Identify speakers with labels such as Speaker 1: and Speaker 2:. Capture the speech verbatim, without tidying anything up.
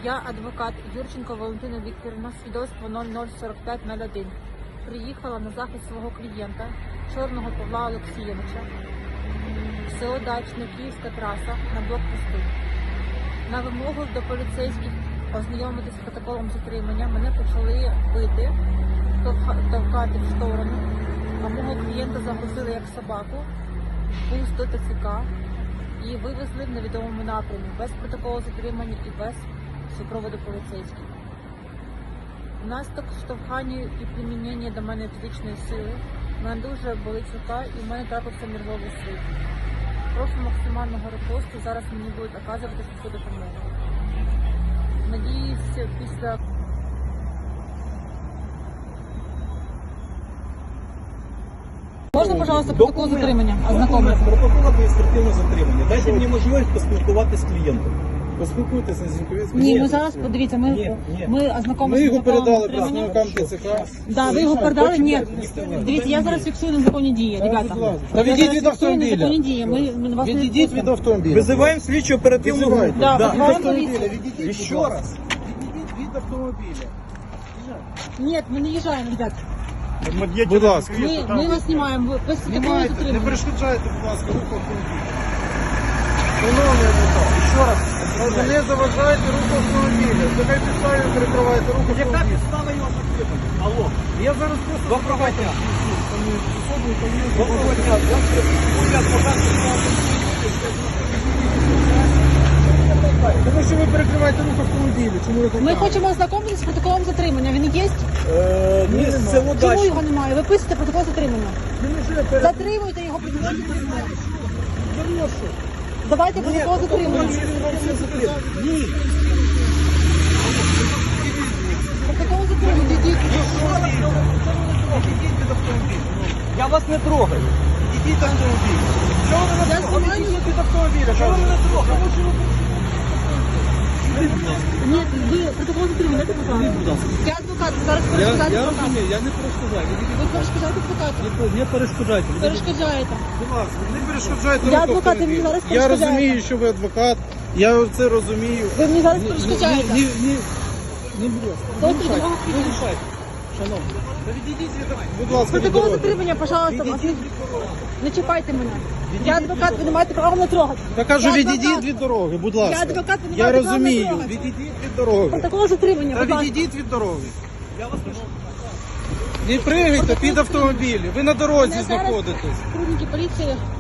Speaker 1: Я адвокат Юрченко Валентина Вікторівна, свідоцтво нуль нуль сорок п'ять нуль один. Приїхала на захист свого клієнта, Чорного Павла Олексійовича, в село Дачне, Київська траса, на блокпосту. На вимогу до поліцейських ознайомитись з протоколом затримання мене почали бити, товкати в сторону, а мого клієнта загрузили як собаку, пуст до ТЦК і вивезли в невідомому напрямі, без протоколу затримання і без супроводу поліцейських. Внаслідок штовхання і примінення до мене фізичної сили в мене дуже болить рука і в мене трапився нервовий слід. Прошу максимального репосту, зараз мені будуть оказувати швидку допомогу. Надіюсь, після... Можна, пожалуйста, протокол затримання? Ознакомитися.
Speaker 2: Протокол адміністративного затримання. Дайте мені можливість поспілкуватися з клієнтом.
Speaker 3: Поспілкуйтеся з ним.
Speaker 1: Ні, ми зараз, подивіться, ми,
Speaker 2: Ні, ні.
Speaker 1: ми
Speaker 3: Ми
Speaker 1: ознакомилися
Speaker 3: його
Speaker 1: з протоколом
Speaker 3: передали
Speaker 1: затримання.
Speaker 3: представникам ТЦК.
Speaker 1: Да, ви його передали? Ні. Дивіться, я зараз фіксую незаконні дії, ребята.
Speaker 3: Та відійдіть від автомобіля.
Speaker 1: Незаконні дії. Ми, ми вас не
Speaker 3: Відійдіть від
Speaker 1: відпустимо.
Speaker 3: автомобіля.
Speaker 2: Визиваємо слідчу оперативну групу.
Speaker 3: Визивайте.
Speaker 1: Да,
Speaker 2: Да.
Speaker 1: визиваємо
Speaker 3: Від автомобіля.
Speaker 1: поліцію.
Speaker 3: Відійдіть,
Speaker 2: І
Speaker 3: будь
Speaker 2: ще
Speaker 3: ласка.
Speaker 2: раз.
Speaker 3: Відійдіть від автомобіля.
Speaker 1: Ні, ми не їжджаємо, ребят.
Speaker 3: Будь ласка.
Speaker 1: Ми, ми вас знімаємо. Ви без протоколу
Speaker 3: Знімайте, не
Speaker 1: затримання.
Speaker 3: перешкоджайте, будь ласка, руху автомобіля. Шановний адвокат, ще раз. Не заважайте руху автомобіля. Нехай підставі перекриваєте руху
Speaker 2: Яка
Speaker 3: автомобіля.
Speaker 2: підстава його затримання? Алло.
Speaker 3: Я зараз просто...
Speaker 2: Доброго дня.
Speaker 3: Доброго
Speaker 2: Доброго дня. Я адвокат.
Speaker 3: Тому що ви перекриваєте рух автомобіля. Чому ви так
Speaker 1: Ми
Speaker 3: кажете?
Speaker 1: хочемо ознакомитися з протоколом затримання. Він є?
Speaker 2: Е, Ні, це
Speaker 1: Чому
Speaker 2: удачно.
Speaker 1: його немає? Ви пишете протокол затримання.
Speaker 3: Він вже перед...
Speaker 1: Затримуйте його протокол затримання.
Speaker 3: Хорошо.
Speaker 1: Давайте протокол затримання.
Speaker 3: Ні.
Speaker 1: Протокол затримання. Йдіть.
Speaker 2: Ідіть від автомобіля. Я вас не трогаю. Ідіть від автомобіля. Чого ви
Speaker 1: Я
Speaker 2: мене трогаєте?
Speaker 1: знімаю.
Speaker 2: Ідіть від автомобіля. Чого ви мене трогаєте?
Speaker 1: Ні, ви протокол затримання. Дайте, будь ласка. Я адвокат, зараз
Speaker 3: Я,
Speaker 1: перешкоджаєте
Speaker 3: я
Speaker 1: адвокату.
Speaker 3: розумію, я не перешкоджаю.
Speaker 1: Ви перешкоджаєте адвокату.
Speaker 3: Не перешкоджайте.
Speaker 1: Перешкоджаєте.
Speaker 3: Будь ласка, не перешкоджайте
Speaker 1: Я
Speaker 3: рух
Speaker 1: адвокат, і
Speaker 3: автомобіля.
Speaker 1: мені зараз
Speaker 3: Я
Speaker 1: перешкоджаєте.
Speaker 3: розумію, що ви адвокат. Я це розумію.
Speaker 1: Ви мені зараз
Speaker 3: Ні,
Speaker 1: перешкоджаєте.
Speaker 3: Ні, ні, ні, ні, будь ласка. Не
Speaker 1: Дайте
Speaker 3: мішайте,
Speaker 1: допомогу.
Speaker 3: не мішайте. Шановні. Та відійдіть від Будь ласка, від
Speaker 1: Протокол
Speaker 3: дороги.
Speaker 1: затримання, пожалуйста, вас не... не чіпайте мене. Я адвокат, ви не маєте права мене трогати.
Speaker 3: Я кажу,
Speaker 1: Я
Speaker 3: відійдіть
Speaker 1: адвокат.
Speaker 3: від дороги, будь ласка.
Speaker 1: Я адвокат, ви не
Speaker 3: Я
Speaker 1: маєте права мене
Speaker 3: розумію,
Speaker 1: трогати.
Speaker 3: відійдіть від дороги.
Speaker 1: Протокол затримання,
Speaker 3: Та
Speaker 1: будь ласка.
Speaker 3: відійдіть від дороги.
Speaker 2: Я вас прошу.
Speaker 3: Не пригайте під автомобілі. Ви на дорозі
Speaker 1: Мене зараз
Speaker 3: знаходитесь.
Speaker 1: Сотрудники поліції